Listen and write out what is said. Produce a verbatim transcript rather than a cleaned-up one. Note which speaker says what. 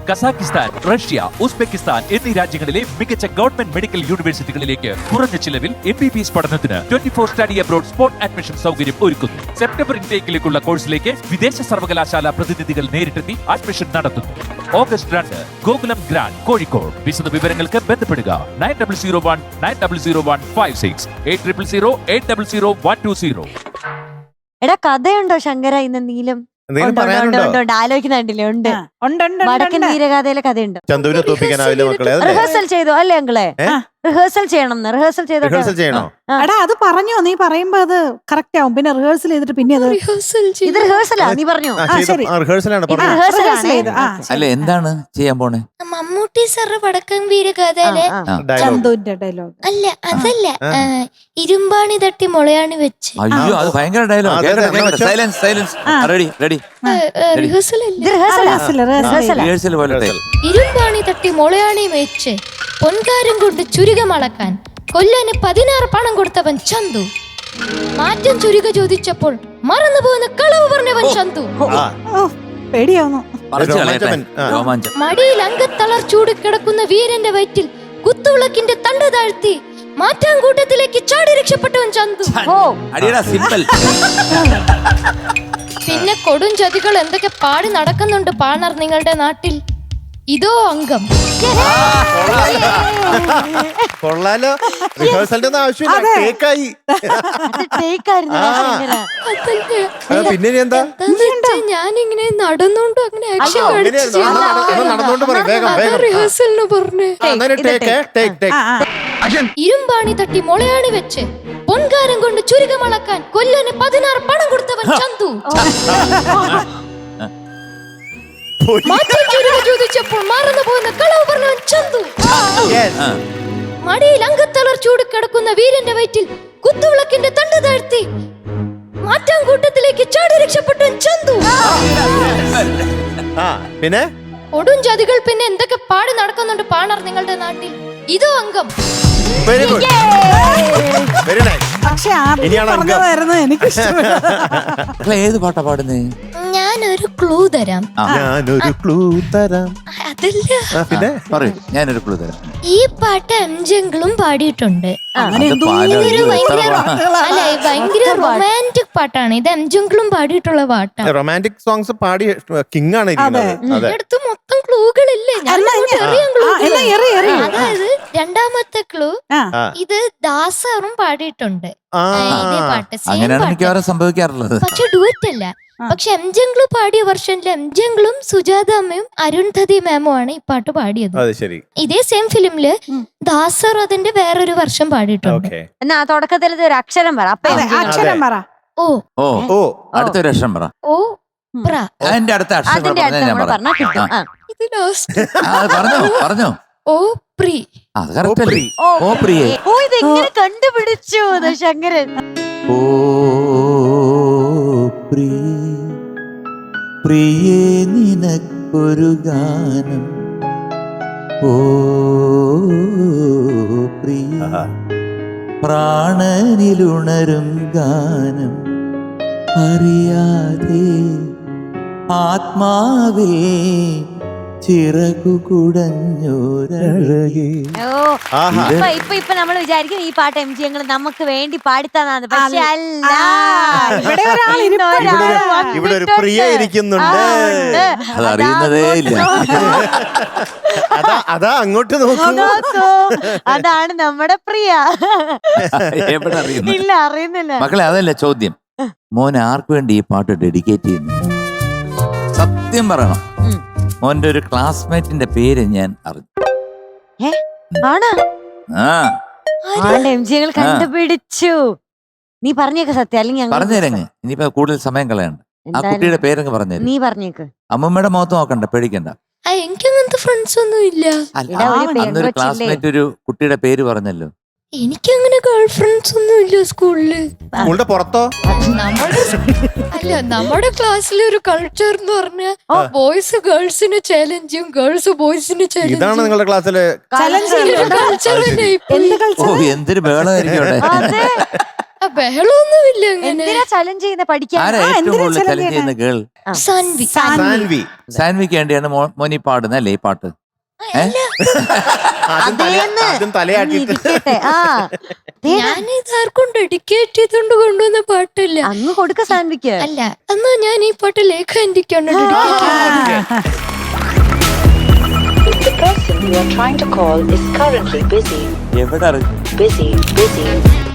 Speaker 1: Kazakhstan, Russia, Uzbekistan എന്നീ രാജ്യങ്ങളിലെ മികച്ച ഗവൺമെന്റ് മെഡിക്കൽ യൂണിവേഴ്സിറ്റികളിലേക്ക് കുറഞ്ഞ ചിലവിൽ എം ബി ബി എസ് പഠനത്തിന് twenty four study abroad spot admission സൗകര്യം ഒരുക്കുന്നു. സെപ്റ്റംബർ ഇൻടേക്കിലേക്കുള്ള കോഴ്സിലേക്ക് വിദേശ സർവകലാശാല പ്രതിനിധികൾ നേരിട്ടെത്തി അഡ്മിഷൻ നടത്തുന്നു. ഓഗസ്റ്റ് രണ്ട് ഗോകുലം ഗ്രാൻഡ് കോഴിക്കോട്. വിശദ വിവരങ്ങൾക്ക് ബന്ധപ്പെടുക nine double zero one nine double zero one five six eight triple zero eight double zero one two zero.
Speaker 2: എടാ കഥയുണ്ടോ ശങ്കര ഇന്ന് നീലം? ആലോചിക്കുന്നുണ്ടില്ലേ? ഉണ്ട്. വടക്കൻ വീരഗാഥയിലെ കഥയുണ്ട്.
Speaker 3: ചന്തുവിനെ തോപ്പിക്കാനാവില്ല മക്കളെ.
Speaker 2: റിഹേഴ്സൽ ചെയ്തു അല്ലേ അങ്കിളെ? റിഹേഴ്സൽ ചെയ്യണം. റിഹേഴ്സൽ ചെയ്തോ.
Speaker 3: റിഹേഴ്സൽ ചെയ്യണോ?
Speaker 4: എടാ അത് പറഞ്ഞോ, നീ പറയുമ്പോ അത് കറക്റ്റ് ആവും. പിന്നെ റിഹേഴ്സൽ ചെയ്തിട്ട് പിന്നെ അത്
Speaker 2: ഇത് റിഹേഴ്സലാ നീ പറഞ്ഞു.
Speaker 3: റിഹേഴ്സലാണ്.
Speaker 5: അല്ല എന്താണ് ചെയ്യാൻ പോണേ?
Speaker 6: മമ്മൂട്ടി സാറ് വടക്കൻ വീരഗാഥയിലെ
Speaker 4: ചന്തുവിന്റെ ഡയലോഗ്
Speaker 6: അല്ല അതല്ല ഇരുമ്പാണി തട്ടി മുളയാണി വെച്ച്.
Speaker 5: അയ്യോ അത് ഭയങ്കര dialogue. Silence silence. Ready ready.
Speaker 6: Rehearsal
Speaker 5: rehearsal പോലെ.
Speaker 6: ഇരുമ്പാണി തട്ടി മുളയാണി വെച്ച് പൊൻകാരം കൊണ്ട് ചുരുകമളക്കാൻ കൊല്ലന് പതിനാറ് പണം കൊടുത്തവൻ ചന്തു. മാറ്റം ചുരുക ചോദിച്ചപ്പോൾ മറന്നു പോകുന്ന കളവ് പറഞ്ഞവൻ ചന്തു.
Speaker 4: പേടിയാവുന്നു.
Speaker 6: മടിയിൽ അങ്കത്തളർ ചൂട് കിടക്കുന്ന വീരന്റെ വയറ്റിൽ കുത്തുവിളക്കിന്റെ തണ്ട് താഴ്ത്തി മാറ്റാങ്കൂട്ടത്തിലേക്ക് ചാടി രക്ഷപ്പെട്ടവൻ ചന്തു. പിന്നെ കൊടും ചതികൾ എന്തൊക്കെ പാടി നടക്കുന്നുണ്ട് പാണർ നിങ്ങളുടെ നാട്ടിൽ. ഇതോ അംഗം.
Speaker 3: കൊള്ളാലോ. റിഹേഴ്സലിന്റെ ആവശ്യമില്ല. കേക്കായി. പിന്നെ എന്താ
Speaker 6: ഞാനിങ്ങനെ നടന്നോണ്ട് അങ്ങനെ
Speaker 3: നടന്നോണ്ട് പറ. വേഗം വേഗം.
Speaker 6: റിഹേഴ്സലിന് പറഞ്ഞേ. ഇരുമ്പാണി തട്ടി മുളയാണി വെച്ച് പൊൻകാരം കൊണ്ട് ചുരുകമളക്കാൻ കൊല്ലന് പതിനാറ് പണം കൊടുത്തവൻ ചന്തു. മാറ്റം ചുരുക ചോദിച്ചപ്പോൾ മറന്നു പോകുന്ന കളവ് പറഞ്ഞവൻ ചന്തു. മടിയിൽ അങ്കത്തളർ ചൂട് കിടക്കുന്ന വീരന്റെ വയറ്റിൽ കുത്തുവിളക്കിന്റെ തണ്ട് താഴ്ത്തി മാറ്റാങ്കൂട്ടത്തിലേക്ക് ചാടി രക്ഷപ്പെട്ടവൻ ചന്തു.
Speaker 3: പിന്നെ
Speaker 6: ഒടും ജാതികൾ പിന്നെ എന്തൊക്കെ പാടി നടക്കുന്നുണ്ട് പാണർ നിങ്ങളുടെ നാട്ടിൽ. ഇതോ അംഗം.
Speaker 3: Very good. Very nice.
Speaker 4: പക്ഷെ പറഞ്ഞതായിരുന്നു എനിക്ക് ഇഷ്ടപ്പെട്ടു.
Speaker 5: ഏത് പാട്ടാ പാടുന്നേ?
Speaker 6: ഞാനൊരു ക്ലൂ തരാം.
Speaker 3: ഞാനൊരു ക്ലൂ തരാം.
Speaker 6: അതല്ല.
Speaker 3: പിന്നെ
Speaker 5: പറയൂ. ഞാനൊരു ക്ലൂ തരാം.
Speaker 6: ഈ പാട്ട് എം ജംഗിളും പാടിയിട്ടുണ്ട്.
Speaker 5: ഇതൊരു
Speaker 6: ഭയങ്കര അല്ല ഭയങ്കര റൊമാൻറ്റിക് പാട്ടാണ്. ഇത് എം ജംഗിളും പാടിയിട്ടുള്ള പാട്ടാണ്.
Speaker 3: റൊമാൻറ്റിക് സോങ്സ് പാടി കിങ് ആണ്
Speaker 6: അടുത്ത് മൊത്തം ക്ലൂകളില്ലേ? അതായത് രണ്ടാമത്തെ ക്ലൂ ഇത് ദാസറും പാടിയിട്ടുണ്ട്. ഇതേ പാട്ട് സെയിം പാട്ട്.
Speaker 5: സംഭവിക്കാറുള്ളത്.
Speaker 6: പക്ഷെ ഡുവറ്റ് അല്ല. പക്ഷെ എം ജംഗിള് പാടിയ വെർഷനിൽ എം ജംഗിളും സുജാത അമ്മയും അരുൺധതി മാമും ആണ് ഈ പാട്ട് പാടിയത്. ഇതേ സെയിം ഫിലിമില് ദാസർ അതിന്റെ വേറൊരു വർഷം പാടിയിട്ടുണ്ട്.
Speaker 2: എന്നാ തുടക്കത്തിൽ ഒരു അക്ഷരം പറ.
Speaker 4: അക്ഷരം പറ.
Speaker 6: ഓ
Speaker 5: ഓ ഓ അടുത്തൊരു അക്ഷരം പറ.
Speaker 6: ഓ പ്ര.
Speaker 5: അതിന്റെ അടുത്ത അക്ഷരം ഞാൻ പറയാം.
Speaker 6: ഇത് ലാസ്റ്റ്
Speaker 5: പറഞ്ഞോ പറഞ്ഞോ.
Speaker 6: ഓ പ്രി.
Speaker 5: അത് കറക്റ്റ്. ഓ പ്രിയേ.
Speaker 2: ഓ ഇതെങ്ങനെ കണ്ടുപിടിച്ചു ശങ്കരൻ?
Speaker 5: ഓ പ്രിയേ പ്രിയേ നിനക്കൊരു ഗാനം. ഓ പ്രിയ പ്രാണനിലുണരും ഗാനം അറിയാതെ ആത്മാവേ ചിറകു കുടഞ്ഞോരഴകേ.
Speaker 2: ഇപ്പൊ ഇപ്പൊ ഇപ്പൊ നമ്മൾ വിചാരിക്കും ഈ പാട്ട് എം ജി ഞങ്ങൾ നമുക്ക് വേണ്ടി പാടിത്തന്നാണ്. പക്ഷെ അല്ല,
Speaker 3: ഇവിടെ ഒരു പ്രിയ ഇരിക്കുന്നുണ്ട്.
Speaker 5: അതറിയുന്നതേ ഇല്ല.
Speaker 3: അതാ അതാ അങ്ങോട്ട് നോക്കൂ.
Speaker 2: അതാണ് നമ്മുടെ പ്രിയ.
Speaker 5: എവിടെ അറിയുന്നു?
Speaker 2: ഇല്ല അറിയുന്നില്ല
Speaker 5: മക്കളെ. അതല്ല ചോദ്യം. മോൻ ആർക്ക് വേണ്ടി ഈ പാട്ട് ഡെഡിക്കേറ്റ് ചെയ്യുന്നു? സത്യം പറയണം. മോന്റെ ഒരു ക്ലാസ്മേറ്റിന്റെ പേര് ഞാൻ അറിഞ്ഞു.
Speaker 2: എം ജി ഞങ്ങൾ കണ്ടുപിടിച്ചു. നീ പറഞ്ഞേക്ക് സത്യം, അല്ലെങ്കിൽ
Speaker 5: പറഞ്ഞേരങ്ങ്. ഇനിയിപ്പോ കൂടുതൽ സമയം കളയണ്ട. ആ കുട്ടിയുടെ പേരങ്ങ് പറഞ്ഞേര്.
Speaker 2: നീ പറഞ്ഞേക്ക്.
Speaker 5: അമ്മമ്മയുടെ മുഖത്ത് നോക്കണ്ട, പേടിക്കണ്ട.
Speaker 6: എനിക്കങ്ങനത്തെ ഫ്രണ്ട്സ് ഒന്നും ഇല്ല.
Speaker 5: അന്നൊരു ക്ലാസ്മേറ്റ് ഒരു കുട്ടിയുടെ പേര് പറഞ്ഞല്ലോ.
Speaker 6: എനിക്കങ്ങനെ ഗേൾ ഫ്രണ്ട്സ് ഒന്നും ഇല്ല സ്കൂളില്.
Speaker 3: സ്കൂളിന്റെ പുറത്തോ?
Speaker 6: അല്ല, നമ്മുടെ ക്ലാസ്സിലെ ഒരു കൾച്ചർ എന്ന് പറഞ്ഞാൽ ബോയ്സ് ഗേൾസിന് ചാലഞ്ചും ഗേൾസ് ബോയ്സിന് ചാലഞ്ചും.
Speaker 3: ഇതാണ് നിങ്ങളുടെ ക്ലാസ്സിലെ
Speaker 5: എന്തൊരു ബഹളമായിരിക്കും.
Speaker 6: ആ, ബഹളമൊന്നുമില്ല അങ്ങനെ.
Speaker 2: എന്തിനാ ചലഞ്ച് ചെയ്യുന്ന പഠിക്കാൻ
Speaker 5: ആരാ
Speaker 4: ആ,
Speaker 5: ഏറ്റവും
Speaker 4: എന്തിനാ
Speaker 5: കൂടുതൽ
Speaker 4: challenge
Speaker 5: ചലഞ്ച് ചെയ്യുന്ന ഗേൾ?
Speaker 6: സാൻവി.
Speaker 3: സാൻവി
Speaker 5: സാൻവിക്ക് വേണ്ടിയാണ് മോ- മോനി പാടുന്നത് അല്ലേ ഈ പാട്ട്? ഏ?
Speaker 3: ആദ്യം തല-
Speaker 2: അതേന്ന്
Speaker 3: ആദ്യം തലയാട്ടിട്ട്
Speaker 2: ഇരിക്കട്ടെ. ആ ദേ,
Speaker 6: ഞാൻ ഇത് ആർക്കും ഡെഡിക്കേറ്റ് ചെയ്തുകൊണ്ട് കൊണ്ടുവന്ന പാട്ടല്ല.
Speaker 2: അങ്ങ് കൊടുക്ക സാൻവിക്ക്.
Speaker 6: അല്ല, എന്നാ ഞാൻ ഈ പാട്ട് ലേഖ ആന്റിക്കാണ് dedicate.
Speaker 7: The person you are trying to call is currently busy.
Speaker 5: എവിടെ അറിയും?
Speaker 7: Busy, busy.